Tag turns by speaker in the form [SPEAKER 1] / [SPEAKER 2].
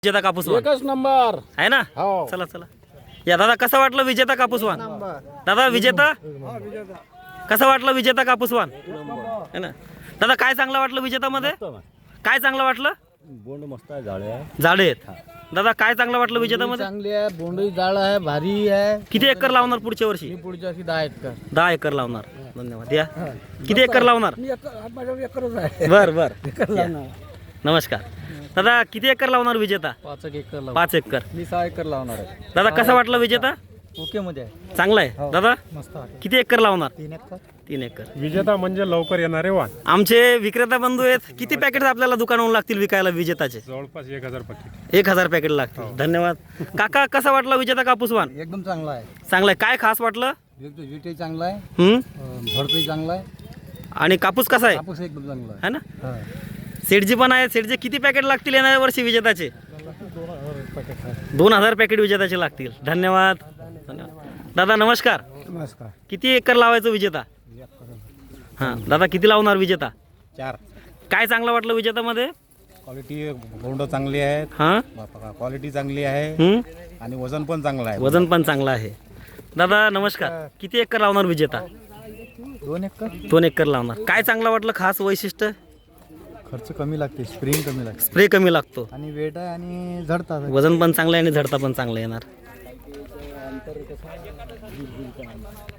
[SPEAKER 1] विजेता कापूस वाण
[SPEAKER 2] एकच नंबर
[SPEAKER 1] आहे ना.
[SPEAKER 2] हो.
[SPEAKER 1] चला चला या दादा, कसा वाटलं विजेता कापूस वाण? दादा विजेता कसा वाटलं विजेता कापूस वाण है ना. दादा काय चांगलं वाटलं विजेतामध्ये? काय चांगलं वाटलं?
[SPEAKER 2] बोंड मस्त आहे, झाडे आहे,
[SPEAKER 1] झाडे आहेत. दादा काय चांगलं वाटलं विजेतामध्ये?
[SPEAKER 2] चांगली आहे, बोंडही जाळ आहे, भारी आहे.
[SPEAKER 1] किती एकर लावणार पुढच्या वर्षी?
[SPEAKER 2] मी पुढच्या वर्षी 10 एकर.
[SPEAKER 1] 10 एकर लावणार. धन्यवाद. या किती एकर लावणार?
[SPEAKER 2] माझ्यावर एकरच आहे.
[SPEAKER 1] बर बर. नमस्कार दादा, किती एकर लावणार विजेता?
[SPEAKER 2] 5 एकर
[SPEAKER 1] 5 एकर.
[SPEAKER 2] मी 6 एकर लावणार आहे.
[SPEAKER 1] दादा कसा वाटला विजेता?
[SPEAKER 2] ओके मध्ये आहे,
[SPEAKER 1] चांगला आहे. दादा
[SPEAKER 2] मस्त आहे.
[SPEAKER 1] किती एकर लावणार?
[SPEAKER 2] 3 एकर.
[SPEAKER 1] 3 एकर.
[SPEAKER 3] विजेता म्हणजे लवकर येणारे वाण.
[SPEAKER 1] आमचे विक्रेता बंधू आहेत. किती पॅकेट आपल्याला दुकानावरून लागतील विकायला विजेताचे?
[SPEAKER 3] जवळपास 1000 पॅकेट.
[SPEAKER 1] 1000 पॅकेट लागतील. धन्यवाद. काका कसा वाटला विजेता कापूस वाण?
[SPEAKER 2] एकदम चांगला आहे.
[SPEAKER 1] चांगला आहे. काय खास वाटलं?
[SPEAKER 2] विटही चांगला आहे,
[SPEAKER 1] हम्म.
[SPEAKER 2] झडपही चांगला आहे,
[SPEAKER 1] आणि कापूस कसा आहे?
[SPEAKER 2] कापूस एकदम चांगला
[SPEAKER 1] है ना.
[SPEAKER 2] आहे.
[SPEAKER 1] सेठजी पण आहे. सेठजी किती पॅकेट लागतील येणाऱ्या वर्षी विजेताचे? 2000 पॅकेट विजेताचे लागतील. धन्यवाद. धन्यवाद. दादा नमस्कार.
[SPEAKER 2] नमस्कार.
[SPEAKER 1] किती एकर लावायचं विजेता? हां दादा किती लावणार विजेता?
[SPEAKER 2] 4.
[SPEAKER 1] काय चांगलं वाटलं विजेतामध्ये?
[SPEAKER 4] क्वालिटी बोंड चांगली आहेत,
[SPEAKER 1] हां.
[SPEAKER 4] क्वालिटी चांगली आहे
[SPEAKER 1] हम्म.
[SPEAKER 4] आणि वजन पण चांगलं आहे.
[SPEAKER 1] वजन पण चांगलं आहे. दादा नमस्कार. किती एकर लावणार विजेता?
[SPEAKER 2] 2 एकर.
[SPEAKER 1] 2 एकर लावणार. काय चांगलं वाटलं खास वैशिष्ट्य?
[SPEAKER 2] खर्च कमी लागते, स्प्रिंग कमी लागते,
[SPEAKER 1] स्प्रे कमी लागतो,
[SPEAKER 2] आणि वेट आहे आणि झडतात.
[SPEAKER 1] वजन पण चांगलं आहे आणि झडता पण चांगलं येणार.